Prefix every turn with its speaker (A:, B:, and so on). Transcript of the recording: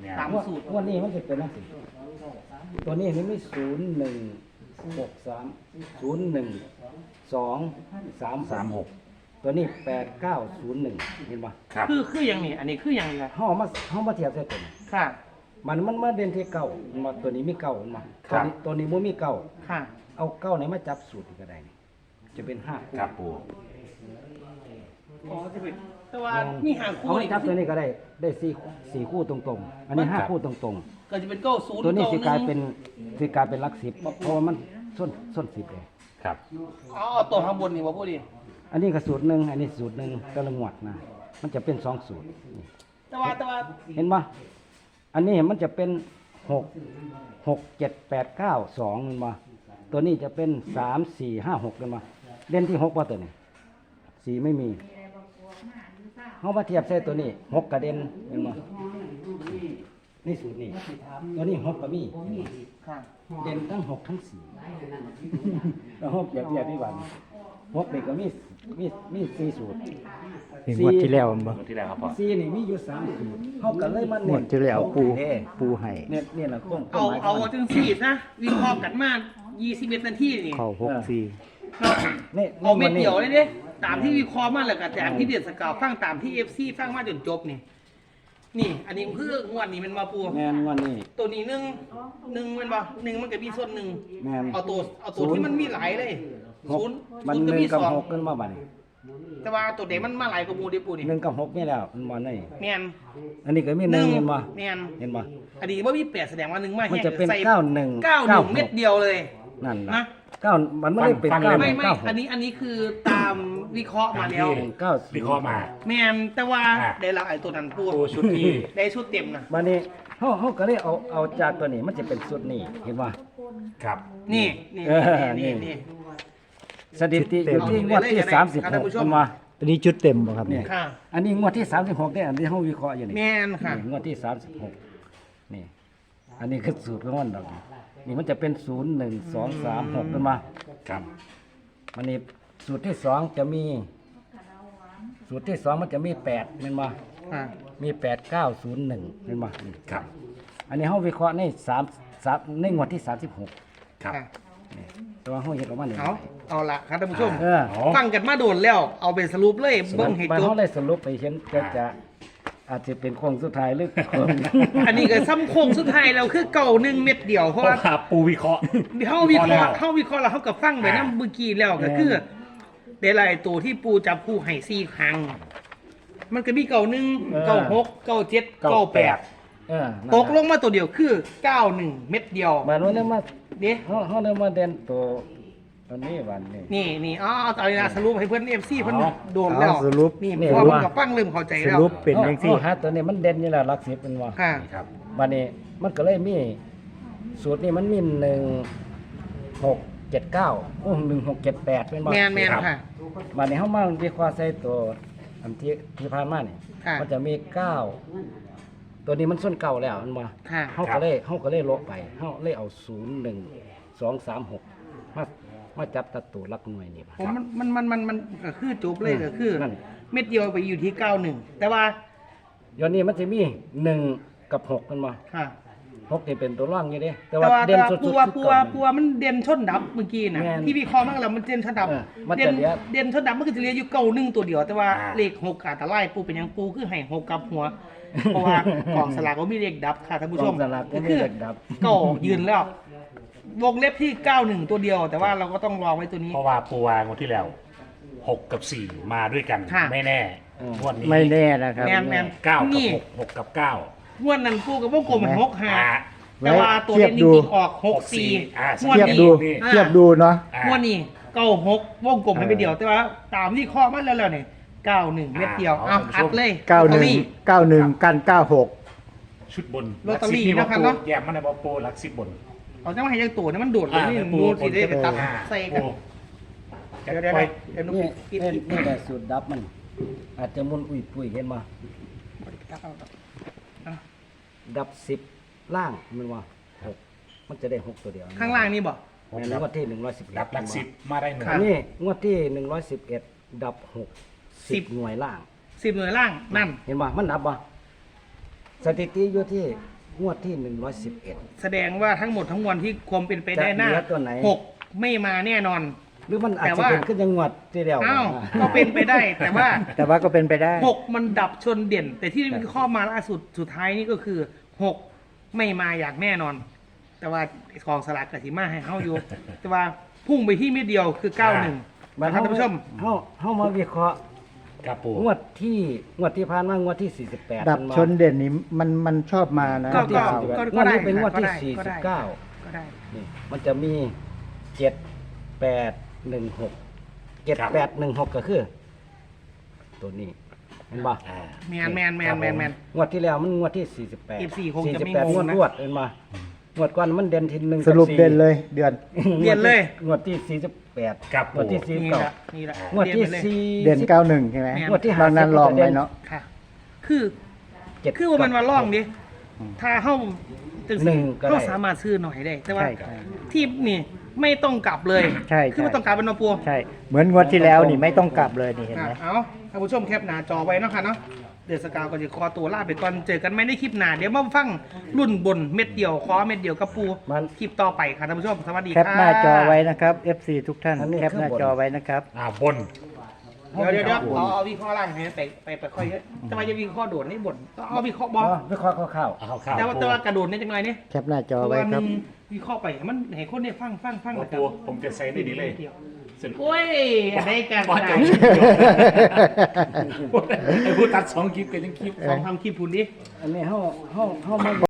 A: ตามสูตร
B: วันนี้มันจะเป็นนักสิตัวนี้นี่ไม่0163 012 336ตัวนี้8901เห็นป่ะ
C: ครับ
A: คืออย่างนี้อันนี้คืออย่างไร
B: เฮามาเทียบใส่ตัวนี้
A: ค่ะ
B: มันมาเด่นที่เก่ามาตัวนี้มีเก่ามาตัวนี้บ่มีเก่า
A: ค่ะ
B: เอาเก่าไหนมาจับสูตรก็ได้นี่จะเป็น5คู่
C: ครับปู
A: อ๋อจะเป็นแต่ว่ามีหางคู่
B: เอา
A: นี่
B: จับตัวนี้ก็ได้4คู่ตรงๆ อันนี้5คู่ตรง
A: ก็จะเป็นเก้าศูนย์
B: ๆ ตัวนี้สิกลาย
A: 1
B: เป็นหลัก10เพราะว่ามันส้น10เลย
C: ครับ
A: เอาตัวข้างบนนี่ว่าพูดดิ
B: อันนี้ก็สูตรหนึ่งอันนี้สูตรหนึ่งแต่ละงวดนะมันจะเป็น2สูตรนี่
A: แต่ว่า
B: เห็นปะอันนี้มันจะเป็น6 7 8 9 2เห็นปะตัวนี้จะเป็น3 4 5 6เห็นปะเด่นที่6ว่าตัวนี้4ไม่มีเขามาเทียบใส่ตัวนี้6กระเด็นเห็นปะนี่สูตรนี้ตัวนี้6กระมี
A: ค่ะ
B: เด่นทั้ง6ทั้ง4แล้ว6เปรียบเทียบที่บ้าน6เด็กก็มี4สูตร
D: งวดที่แล้วบ่
C: งวดที่แล้วครับพ่อ
B: 4นี่มีอยู่3สูตรเขาก็เลยมา
D: ง
B: เน้
D: วดที่แล้วปู
B: ให้
D: ให้
B: เนี่ยล่ะข้อง
A: เอาจังสี่นะวิเคราะห์กันมา21 นาทีนี่
D: เข้า64
B: นี่
A: เอาเม็ดเดียวเลยเด้ตามที่วิเคราะห์มาแล้วก็แต่ที่เดือดสกาวฟังตามที่ FC ฟังมาจนจบนี่ นี่ อันนี้คืองวดนี้มันมาปู
B: แม่นวันนี้
A: ตัวนี้หนึ่งมันบ่หนึ่งมันก็มีส่วนหนึ่ง
B: แม่น
A: เอาตัวที่มันมีหลายเลย
B: หก
A: ศูนย์
B: มัน
A: ก็
B: 1
A: มี
B: กับ
A: สอง
B: 6ขึ้นมาบัดนี้
A: แต่ว่าตัวเด็กมันมาหลายกว่าหมูเด้ปูนี่
B: 1กับ6นี่แล้วมันบ่นี่
A: แม่น
B: อันนี้ก็มี1เห็นบ่
A: แม่น
B: เห็นบ่
A: อันนี้ว่ามี8แสดงว่าหนึ่งมา
B: มัน
A: แห้ง
B: จะเป็น
A: ใส่
B: 91
A: 91เม็ดเดียวเลย
B: นั่น
A: นะ
B: ล่ะ9มันไม่ได้เป็น
C: ฟังเลย
B: 9
A: ไม่
B: 9
A: อันนี้คือตามวิเคราะห์มาแล้ว
B: 9
C: วิเคราะห์มา
A: แม่นแต่ว่า
C: อ่ะ
A: ได้ละไอ้ตัวนั้นปู
C: ปูชุดนี้
A: ได้ชุดเต็มนะ
B: บัดนี้เฮาก็เลยเอาจากตัวนี้มันจะเป็นสูตรนี้เห็นบ่
C: ครับ
A: นี่
B: เออนี่
A: นี่
B: สถิติอยู่ที่งวดที่
A: เอา
B: 36
A: ท่านผู้ชม
B: เห็นบ่
D: ตัวนี้ชุดเต็มบ่ครับ
B: เนี่
D: เนี่ย ย
A: ค่ะ
B: อันนี้งวดที่36เนี่ยอันที่เฮาวิเคราะห์อยู่นี่
A: แม่นค่ะ
B: นี่งวดที่36นี่อันนี้คือสูตรของมันดอกนี่มันจะเป็น0 1 2 3 6เป็นมา
C: ครับ
B: มันนี่สูตรที่2จะมีสูตรที่2มันจะมี8เป็นมา
A: ค่ะ
B: มี8 9 0 1เป็นมานี่
C: ครับ
B: อันนี้เฮาวิเคราะห์ใน3ในงวดที่36
C: ครับ
A: ค่ะ
B: นี่แต่ว่าเฮาเฮ็ดออกมานี่
A: เอาละครับท่านผู้ชม
B: เออ
A: ฟังกันมาโดนแล้ว เอาเป็นสรุปเลยเบิ้งให้
B: ไป
A: จบ
B: เฮาได้สรุปไปเห็นจะอาจจะเป็นโค้งสุดท้ายหรือโค้ง
A: อันนี้ก็ซ้ำโค้งสุดท้ายแล้วคือเก่า1 เม็ดเดียวเพ
C: เพ
A: ราะ
C: ราะ
A: ว่า
C: ว่าปูวิเคราะห์
A: เขาวิเคราะห์
C: แล้ว
A: แล้วเขากับฟังไปน้ำเมื่อกี้แล้วก็คือเดลายตัวที่ปูจับคู่ให้4 ครั้ง มันก็มีเก่า1 เก่า6 เก่า7 เก่า8
B: เออ
A: ตกลงมาตัวเดียวคือ91 เม็ดเดียว
B: บัดนี้มา
A: เด้
B: เฮาได้มาเด่นตัวอันนี้วันนี้
A: นี่เอาเลยนะสรุปให้เพื่อน FC เพื่อน
B: เอา
A: โดนแล้ว
D: สรุป
A: นี่
B: นี่
A: พอ
B: ว่า
A: มันกับฟังเริ่มเข้าใจ
D: ส
A: แล้ว
D: รุปเป็นจังซี่
B: ฮะตัวนี้มันเด่นอยู่แล้วหลัก10เป็นว่า
A: ค่ะ
C: นี่ครับ
B: บัดนี้มันก็เลยมีสูตรนี้มันมี1679โอ้1678เป็นบ่
A: แมนค่ะ
B: บัดนี้เฮามาวิเคราะห์ใส่ตัวอันที่ผ่านมานี่
A: ค่ะ
B: มันจะมี9ตัวนี้มันส้นเก่าแล้วมันบ่
A: ค่ะ
B: เฮาก็เลยลบไปเฮาเลยเอา0 1 2 3 6มาจับตัดตัวหลักหน่วยนี่บ่
A: ผมมันก็คือจบเลยก็คือ
B: นั่น
A: เม็ดเดียวไปอยู่ที่91แต่ว่า
B: เดี๋ยวนี้มันจะมี1กับ6มันบ่
A: ค่ะ
B: 6นี่เป็นตัวร่องอยู่เด้แต่
A: แต่
B: ว่า
A: ว่า
B: เด่นสุดๆ
A: ปั
B: คือ
A: ว
B: เก่านี่
A: มันเด่นชนดับเมื่อกี้นะ
B: แม่น
A: ที่วิเคราะห์มาแล้วมันเด่นชนดับ
B: มัน
A: เด่
B: จะ
A: น
B: เหลือ
A: เด่นชนดับมันก็จะเหลืออยู่91ตัวเดียว แต่ว่า
C: อ่า
A: เลข6อาจจะไล่ปูเป็นหยังปูคือให้6กับหัว เพราะว่ากล่องสลากก็มีเลขดับค่ะท่านผู้ชม
B: กล่องสลากก็มี
A: คือ
B: เลขดับ
A: เก่ายืนแล้ววงเล็บที่91ตัวเดียว แต่ว่าเราก็ต้องรอไว้ตัวนี้
C: เพราะว่าปูวางวันที่แล้ว6กับ4มาด้วยกัน
A: ค่ะ
C: ไม่แน่
B: อืม
C: งวดนี้
D: ไม่แน่นะครับ
A: แมน
C: 9กับ
A: นี่
C: 6 6กับ9
A: งวดนั้นปูกับวงกลมให้6
C: อ่า
A: 5แต่ว่าตัวเด่นจ
D: เทียบดู
A: ริงๆออก6
C: อ่า
A: 4งวด
D: เทียบ
A: นี้
D: ดู
C: นี่
D: เทียบดูเนาะ
A: งวดนี้96วงกลมให้ไปเดียว แต่ว่าตามที่ข้อมันแล้วเนี่ย91เม็ดเดียวเอาอัดเลยลอตเตอรี่
D: 91กัน96
C: ชุดบน
A: ลอตเตอรี่
C: หลัก
A: นะครับ
C: 10
A: เนอะ
C: แยกมันในบอโปหลัก10บน
A: เอาจังมาให้ยังตัวนี่มันโดดเลยนี่
C: ปู
A: ดูสิได้ไปตัด
C: อ่า
A: ใส่กัน
C: ปู
A: เดี๋ยว
C: ไป
A: เดี๋ยวนุ๊
B: นี่
A: กปิด
B: นี่แหละสูตรดับมัน อาจจะมุนอุ้ยปุ้ยเห็นบ่ดับ10ล่างมันว่า6มันจะได้6ตัวเดียว
A: ข้างล่างนี่บ่
B: แม่นงวดที่111
C: รับหลัก10มาได้หนึ่ง
A: ครับ
B: นี่งวดที่111ดับ6 10หน่วยล่าง
A: 10หน่วยล่างนั่น
B: เห็นบ่มันดับบ่สถิติอยู่ที่งวดที่111
A: แสดงว่าทั้งหมดทั้งมวลที่ความเป็นไปได้หน้า
B: จะเหลือตัวไหน
A: 6ไม่มาแน่นอน
B: หรือมันอาจ
A: แต่
B: จะ
A: ว่า
B: เป็นขึ้นยังงวดที่แล้ว
A: อ้าวก็เป็นไปได้ แต่ว่า
D: แต่ว่าก็เป็นไปได้
A: 6 มันดับชนเด่น แต่ที่มีข้อมาล่าสุดสุดท้ายนี่ก็คือ 6 ไม่มาอย่างแน่นอน แต่ว่ากองสลากกับทีมาให้เฮาอยู่ แต่ว่าพุ่งไปที่เม็ดเดียวคือ 91
B: บัด
A: ท่านผู้ชม
B: เฮามาวิเคราะห์
C: ครับปู
B: งวดที่ผ่านมางวดที่48
D: ดับชนเด่นนี้มันชอบมานะ
A: ก็
B: ที่
A: ก็
B: 48งวดนี้เป็นงวดที่
A: ก็ได้
B: 49
A: ก็ได้
B: นี่มันจะมี 7816 7816 ก็คือ ตัวนี้เห็นป่ะ
C: อ่า
A: แมนแมนแมนแมนแมน
B: งวดที่แล้วมันงวดที่ 48
A: 14คงจะไม่
B: 48
A: งง
B: งวด
A: นะ
B: รวดเห็นป่ะงวดก่อนมันเด่นที่1
D: สรุปเด่นเลยเดือน
A: เด่นเลย
B: งวดที่48
C: ครับ
B: งวดที่
C: ปู่
A: นี่
B: 49
A: ละนี่ละ
B: งวดที่
A: เรียนไปเลย
B: 4
D: เด่น91ใช่ไหม
A: แม่น
B: งวดที่
D: บางนั้นลองไว้เนาะ
A: ค่ะ คือ
B: 7
A: คือว่ามันมาล่องดิ ถ้าเฮาจัง
B: หนึ่
A: สิ
B: งก็ได้
A: เฮาสามารถซื้อหน่อยได้ แต่ว่า
D: ใช่ครับ
A: ที่นี่ไม่ต้องกลับเลย
D: ใช่
A: คือไม่ต้องกลับเป็นนปัว
D: ใช่ เหมือนงวดที่แล้วนี่ไม่ต้องกลับเลยนี่เห็นไหม
A: เอาท่านผู้ชมแคปหน้าจอไว้เนาะค่ะเนาะ เดือดสกาวก็จะคอตัวลาไปก่อน เจอกันไม่ได้คลิปหน้า เดี๋ยวมาฟังรุ่นบนเม็ดเดียวคอเม็ดเดียวกับปู
B: มัน
A: คลิปต่อไปค่ะท่านผู้ชม สวัสดี
D: แค
A: ค่ะ
D: ปหน้าจอไว้นะครับ FC ทุกท่าน
B: อันนี้
D: แคปหน้า
B: คือบน
D: จอไว้นะครับ
C: บน
A: เดี๋ยวเอาวิเคราะห์ล่างให้ไปค่อยเยอะจะมาจะวิเคราะห์โดดให้บนต้องเอาวิเคราะห์บอ
B: วิเคราะห์คร่าว
C: เอาข้าว
A: แต่ว่ากระโดดเนี่ยจังไรเนี่ย
D: แคปหน้าจอ
A: เพราะ
D: ไว้
A: ว่า
D: ครับ
A: มีวิเคราะห์ไปให้มันให้คนเนี่ยฟัง
C: ปู
A: นะครับ
C: ผมจะใส่ได้ดีเลยสรุป
A: โอ้ยอะไรกัน
C: บอส
A: นะ
C: จะไอ้ผู้ตัด2 คลิปกันยังคลิป
A: ลองทำคลิปคุณดิ
B: ๆอันนี้เฮามา